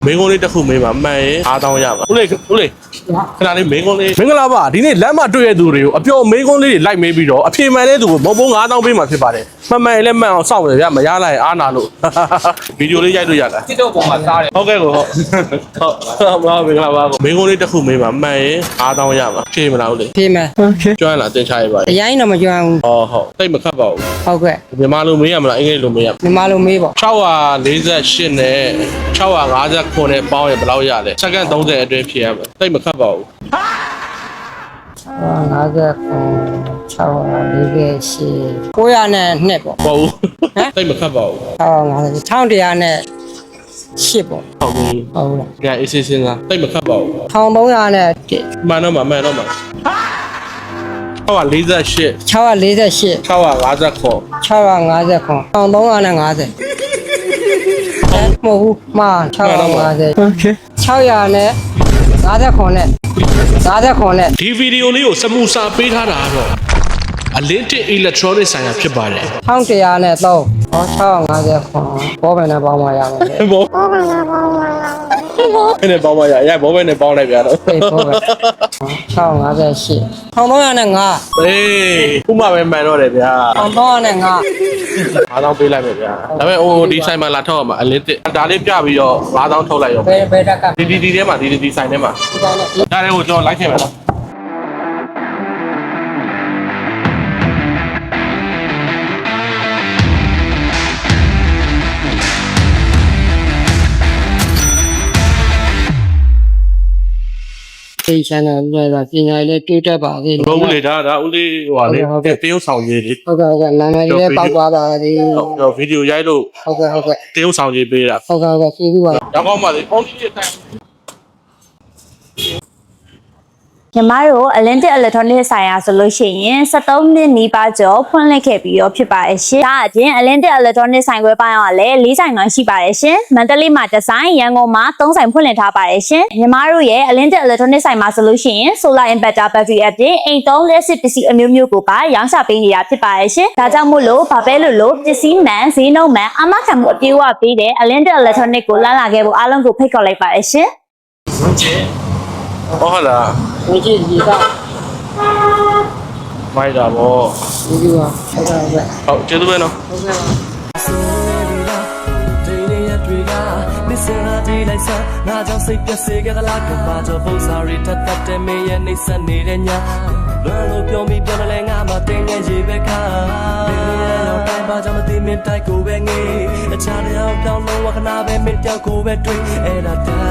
မင်းကုန်းလေးတစ်ခုမေးပါမှန်ရင်9000ရပါဦးလေးခဏလေးမင်းကုန်းလေးမင်္ဂလာပါဒီနေ့လမ်းမှာတွေ့ရတဲ့သူတွေကိုအပျော်မင်းကုန်းလေးတွေလိုက်မေးပြီးတော့အဖြေမှန်တဲ့သူကိုဘုံ9000ပေးမှာဖြစ်ပါတယ်မှန်ရင်လည်းမှန်အောင်စောင့်နေဗျမရလိုက်အားနာလို့ဗီဒီယိုလေးရိုက်လို့ရလားတစ်တော့ပုံမှာစားတယ်ဟုတ်ကဲ့ကိုဟုတ်မင်္ဂလာပါကိုမင်းကုန်းလေးတစ်ခုမေးပါမှန်ရင်9000ရပါဖြေမလားဦးလေးဖြေမယ်โอเคကျွမ်းလားတင်ချရပါအရင်တော့မကျွမ်းဘူးဟုတ်တိတ်မခတ်ပါဘူးဟုတ်ကဲ့မြန်မာလိုမေးရမလားအင်္ဂလိပ်လိုမေးရမြန်မာလိုမေးပေါ့ 648နဲ့659နဲ့ပေါင်းရင်ဘယ်လောက်ရလဲစက္ကန့်30အတွင်းဖြေရမယ်တိတ်မခတ်ပါဘူး 59 900နဲ့2ပေါ့ဟုတ်ဘူးတိတ်မခတ်ပါဘူး 1100နဲ့8ပေါ့ဟုတ်ဘူးဟုတ်လားကြအေးစစ်စင်းလားတိတ်မခတ်ပါဘူး 1300နဲ့မှန်တော့မှ648 648 659 650 1350မဟုတ်ဘူးမှာ650โอเค600နဲ့59နဲ့59နဲ့ဒီဗီဒီယိုလေးကိုစမှုစာပေးထားတာတော့အလင်းတစ် electronic ဆိုင်ရာဖြစ်ပါတယ် 1100နဲ့3ဟော650ဘောပဲနဲ့ပေါင်းမှရမယ်ဘောပဲနဲ့ပေါင်းမှရဘောပဲနဲ့ပေါင်းလိုက်ပြတော့ဘောပဲ658 1300နဲ့5 အေးခုမှပဲမှန်တော့တယ်ဗျာ 1300နဲ့5 9000ပေးလိုက်မယ်ဗျာဒါပေမဲ့ဒီဆိုင်မှာလာထောက်ရမှာအလင်းတစ်ဒါလေးပြပြီးတော့9000ထုတ်လိုက်ရောဘယ်တက်ကဒီထဲမှာဒီဆိုင်ထဲမှာဒါလေးကိုကျွန်တော်လိုက်ထည့်မယ်နော်ဒီ channel ကပညာရေးလေးတိုးတက်ပါသေးတယ်ဟုတ်ဦးလေဒါဦးလေးဟိုပါလေတရုတ်ဆောင်ကြီးလေဟုတ်ကဲ့နာမည်လေးပေါက်သွားပါသေးဟုတ်ဗီဒီယိုရိုက်လို့ဟုတ်ကဲ့တရုတ်ဆောင်ကြီးပေးတာဟုတ်ကဲ့ကျေးဇူးပါရောက်ကောင်းပါလေအော်ဒီရဲ့တိုင်ညီမတို့ Atlantic Electronic ဆိုင်ရာဆိုလို့ရှိရင်73နှစ်နီးပါးကျော်ဖွင့်လှစ်ခဲ့ပြီးတော့ဖြစ်ပါတယ်ရှင်။ဒါအပြင် Atlantic Electronic ဆိုင်ခွဲပိုင်းကလည်း4ဆိုင်မှရှိပါတယ်ရှင်။မန္တလေးမှာ1ဆိုင်ရန်ကုန်မှာ3ဆိုင်ဖွင့်လှစ်ထားပါတယ်ရှင်။ညီမတို့ရဲ့ Atlantic Electronic ဆိုင်မှာဆိုလို့ရှိရင် Solar Inverter Battery အပြင်အိမ်သုံးလက်စစ်ပစ္စည်းအမျိုးမျိုးကိုပါရောင်းချပေးနေတာဖြစ်ပါတယ်ရှင်။ဒါကြောင့်မို့လို့ဘာပဲလို့ပစ္စည်းမှန်ဈေးနှုန်းမှန်အမခံမှုအပြည့်အဝပေးတဲ့ Atlantic Electronic ကိုလာခဲ့ဖို့အားလုံးကိုဖိတ်ခေါ်လိုက်ပါတယ်ရှင်။ဟုတ်လားဝင်ကြည့်ဒီကမိုက်တာဗောဒီကဟုတ်ကဲ့ဟုတ်ကျေးဇူးပဲနော်ဟုတ်ကဲ့ပါမစ္စရာဒီလိုက်စားငါကြောင့်စိတ်ပြည့်စေခဲ့သလားကဘာကြောင့်ပုံစားရတတ်တဲ့မင်းရဲ့နှိမ့်ဆက်နေတဲ့ညလွယ်လို့ပြောမိပြောမလဲငါမှတင်းငယ်ရေပဲခါမင်းရဲ့ရောက်တိုင်းဘာကြောင့်မသိမင်းတိုက်ကိုပဲငေးအခြားတယောက်ပြောင်းလို့ဝခနာပဲမင်းတယောက်ကိုပဲတွေ့အဲ့ဒါ